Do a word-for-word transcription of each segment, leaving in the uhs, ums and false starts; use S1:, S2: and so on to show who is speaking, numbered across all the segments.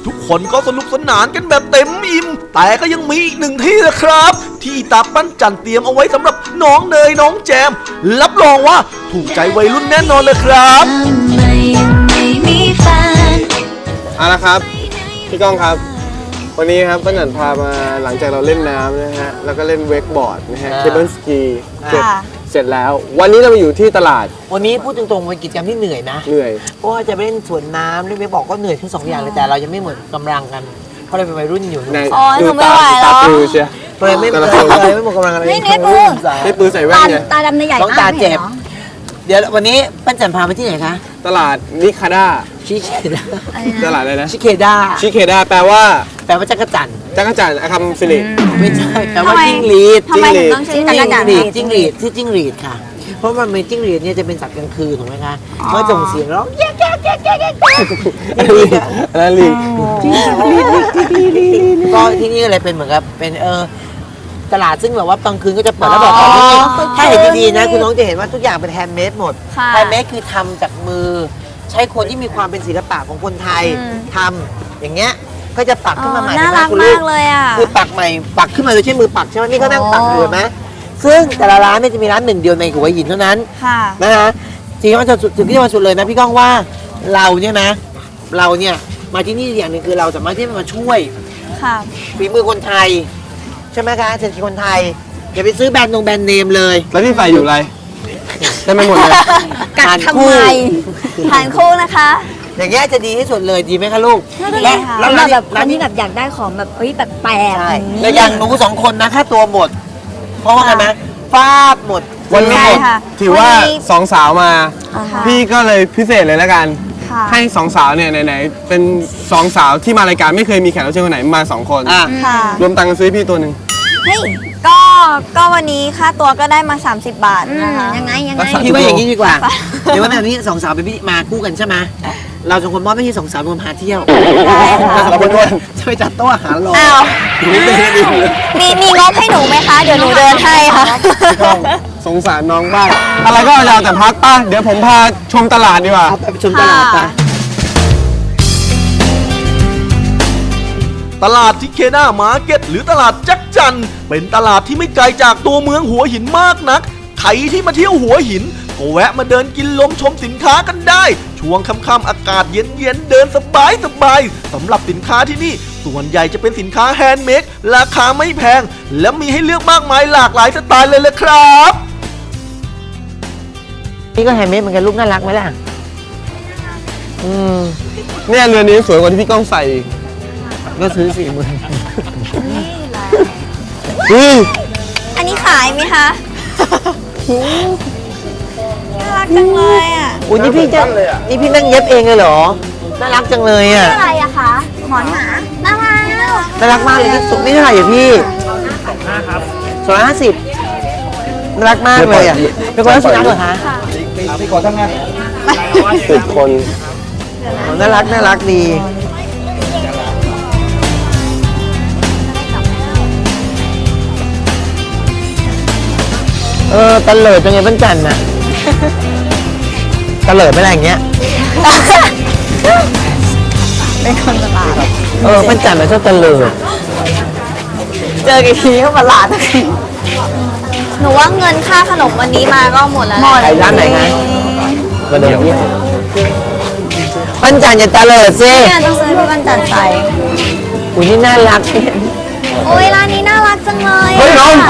S1: ทุกคนก็สนุกสนานกันแบบเต็มอิ่มแต่ก็ยังมีอีกหนึ่งที่นะครับที่ตาปั้นจันเตรียมเอาไว้สำหรับน้องเนยน้องแจมรับรองว่าถูกใจวัยรุ่นแน่นอนเลยครับ
S2: เอาละครับพี่ก้องครับวันนี้ครับป้าหนันพามาหลังจากเราเล่นน้ำนะฮะแล้วก็เล่นเวกบอร์ดนะฮะเคเบิลสกีเสร็จเสร็จแล้ววันนี้เรามาอยู่ที่ตลาด
S3: วันนี้พูดตรงๆเป็นกิจกรรมที่เหนื่อยนะ
S2: เหนื่อย
S3: เพราะว่าจะไปเล่นสวนน้ำเล่นเวกบอร์ดก็เหนื่อยทั้งสองอย่างเลยแต่เรายังไม่หมดกำลังกันเพราะเราเป็นวัยรุ่นอยู่
S4: อ๋อหนูไม่ไหวแล้ว
S2: ตาปือเชีย
S3: เลยไม่เลยไม่หมดกำลังอะไร
S4: นี่นี่ปืน
S2: นี่ปืนใส่แว่นไง
S4: ตาดำในใหญ่
S3: ต้องตาเจ็บเดี๋ยววันนี้ปั้นจันพาไปที่ไหนคะ
S2: ตลาดนิคาด้า
S3: ชิเคด้า
S2: ตลาดอะไรนะ
S3: ชิเคด้า
S2: ชิเคด้าแปลว่า
S3: แปลว่าจักรจันทร์
S2: จักรจันทร์คำสิริ
S3: ไม่ใช่แปลว่าจิ้งหรีด
S4: ทำไมถึงต้องชื่อจักรจันทร์
S3: จิ้งหรีดที่จิ้งหรีดค่ะเพราะมันเป็นจิ้งหรีดเนี่ยจะเป็นสัตว์กลางคืนถูกไหมคะเมื่อส่งเสียงร้องแย่แย่แย่แย่แย่
S2: อะไรลิง
S3: ก็ที่นี่อะไรเป็นเหมือนกับเป็นเออตลาดซึ่งแบบว่ากลางคืนก็จะเปิดแล้วบอกว่าถ้าเห็นดีๆนะคุณน้องจะเห็นว่าทุกอย่างเป็นแฮนด์เมดหมดแฮนด์เมดคือทำจากมือใช้คนที่มีความเป็นศิลปะของคนไทยทำอย่างเงี้ยก็จะปักขึ้นมาใหม่
S4: น่ารักมากเลยอ่ะ
S3: คือปักใหม่ปักขึ้นมาโดยใช้มือปักใช่ไหมนี่เขานั่งปักอยู่ไหมซึ่งแต่ละร้านเนี่ยจะมีร้านหนึ่งเดียวในหัวหินเท่านั้นนะฮะจริงๆว่าจะถึงที่มาสุดเลยนะพี่ก้องว่าเราเนี่ยนะเราเนี่ยมาที่นี่อย่างหนึ่งคือเราสามารถที่จะมาช่วยฝีมือคนไทยใช่ไหมคะเศรษฐกิจคนไทยอย่าไปซื้อแบรนด์นงแบรนด์เนมเลย
S2: แล้วที่ใส่อยู่อะไรได้ไม่หมดเลย
S4: กัดทำไมทานคู่นะคะ
S3: อย่างเงี้ยจะดีที่สุดเลยดีไหมคะลูก
S4: และแล้วแบบร้านที่แบบอยากได้ของแบบเฮ้ยแบบแปลก
S3: แล้วอย่างหนูสองคนนะค่าตัวหมดเพราะว่าไงไหมฟาดหมด
S2: วันนี้หมดถือว่าสองสาวมาพี่ก็เลยพิเศษเลยแล้วกันให้สองสาวเนี่ยไหนๆเป็นสองสาวที่มารายการไม่เคยมีแขกรับเชิญคนไหนมาสองคนรวมตังค์ซื้อพี่ตัวหนึ่ง
S4: เฮ้ยก็ก็วันนี้ค่าตัวก็ได้มาสามสิบบาทนะคะยังไงยังไง
S3: พี่ว่าอย่างนี้ดีกว่าเดี๋ยววันนี้สองสาวเป็นพี่มาคู่กันใช่ไหมเราสองคนมอบไม่ใช่สองสาวรวมพาเที่ยวเราเป็นคนช่วยจัดโต๊ะอาหารรอ
S4: มีมีงบให้หนูไหมคะเดี๋ยวหนูเดินให้ค่ะ
S2: สงสารน้องบ้างอะไรก็ยาวแต่พักป่ะเดี๋ยวผมพาชมตลาดดีกว่า
S3: ไปชมตลาดไป
S1: ตลาดทิเคด้ามาร์เก็ตหรือตลาดจักจันเป็นตลาดที่ไม่ไกลจากตัวเมืองหัวหินมากนักใครที่มาเที่ยวหัวหินก็แวะมาเดินกินลมชมสินค้ากันได้ช่วงค่ำๆอากาศเย็นๆเดินสบายสบายสำหรับสินค้าที่นี่ส่วนใหญ่จะเป็นสินค้าแฮนด์เมดราคาไม่แพงและมีให้เลือกมากมายหลากหลายสไตล์เลยละครับ
S3: นี่ก็แฮนด์เมดเหมือนกันรูปน่ารักไหมล่ะ
S2: อืมเนี่ยเรือนนี้สวยกว่าที่พี่ก้องใส่
S3: ก็ซื้อสี่หมื่น
S4: นี่อันนี้ขายไหมคะน่ารักจังเลยอ่ะ
S3: อุ้ยนี่พี่จะนี่พี่นั่งเย็บเองเลยเหรอน่ารักจังเลยอ่ะ
S4: อะไรอะคะหมอนหมาน่ารัก
S3: น่ารักมากเลยที่สุดไม่เท่าไหร่อ่ะพี่สองร้อยห้าสิบน่ารักมากเลยอ่ะเป็นคนรักสุนัขเหรอคะ
S2: พี่ขอทำงานสิบคน
S3: น่ารักน่ารักดีเออตะเลิดจังไงปั้นจันน่ะตะเลิดไม่อะไรอย่างเงี้ย
S4: เป็นคนตลาด
S3: เออปั้นจันมันชอบตะเลิด
S4: เจอกี่ทีก็มาหลาดหนูว่าเงินค่าขนมวันนี้มาก็หมดแล้วหมด
S3: ร้านไหนไงมาเดินที่ปั้นจันอย่าตะเลิดสิ
S4: เนี่ยต้องซื้อพี่ปั้นจันใส่
S3: อุ้ยนี่น่ารัก
S4: โอ้ยร้านนี้น่ารักจังเลย
S3: เฮ้ยน้อง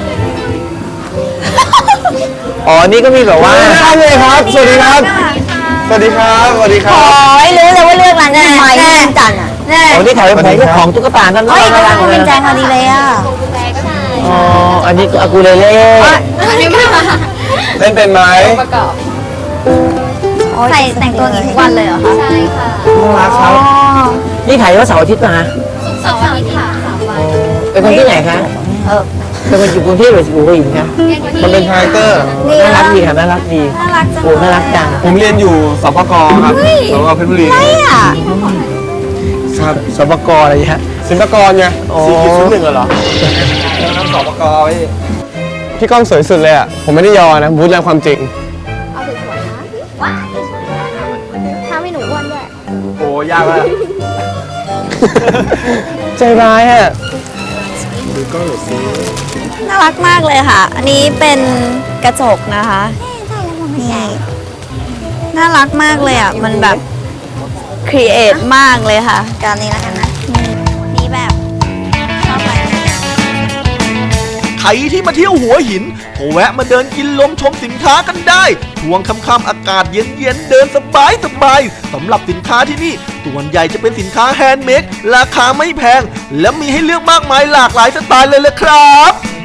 S3: อ๋อนี่ก็มีแบบว่า
S2: ใช่เลยครับสวัสดีครับสวัสดีครับสวัสดีครับ
S4: โอ้ยรู้เลยว่าเลือกร้านไหนแน่จันอ่ะแน่
S3: อ๋อนี่ถ่ายเป็นของตุ๊กตากัน
S4: เลยร้านเป็นแจงพอดีเลยอ่ะ
S3: อ๋ออันนี้อากูเลเล่
S2: เล่นเป็นไหม
S4: ใส่แต่งตัวกี่ทุกวันเลยเหรอคะใช่ค่ะ
S3: น่ารักครับนี่ถ่ายว่าเสาร์อาทิตย์นะ
S4: เสาร์อาทิตย์ค่ะ
S3: เป็นคนที่ไหนคะเออเป็นคนอยู่กรุงเทพหรืออยู่หัวหินคะ
S2: มันเป็นคาแรคเตอร์
S3: น่ารักดีค่ะน่ารักดี
S4: น่ารักจัง
S3: โอ้น่ารักจัง
S2: ผมเรียนอยู่สปกครับสปกเพชรบุรี
S3: ครับสปกอะไรฮะ
S2: ศิลปากรไงสี่จุดศูนย์หนึ่งเหรอน้ำสปกไว้พี่ก้องสวยสุดเลยอ่ะผมไม่ได้ยอนะพูดแล้วความจริง
S4: เอาสวยๆนะว้าทำให้หนูอ้วนด้วย
S2: โอ้ยากเลยใจร้ายอ่ะ
S4: น่ารักมากเลยค่ะ อันนี้เป็นกระจกนะคะนี่น่ารักมากเลยอ่ะ มันแบบครีเอทมากเลยค่ะการนี้แล้วกันนะนี่แบบชอบอะไรนะ
S1: ใครที่มาเที่ยวหัวหินก็แวะมาเดินกินลมชมสินค้ากันได้ ช่วงค่ำๆอากาศเย็นๆเดินสบายสบายๆสำหรับสินค้าที่นี่ส่วนใหญ่จะเป็นสินค้าแฮนด์เมดราคาไม่แพง และมีให้เลือกมากมายหลากหลายสไตล์เลยละครับ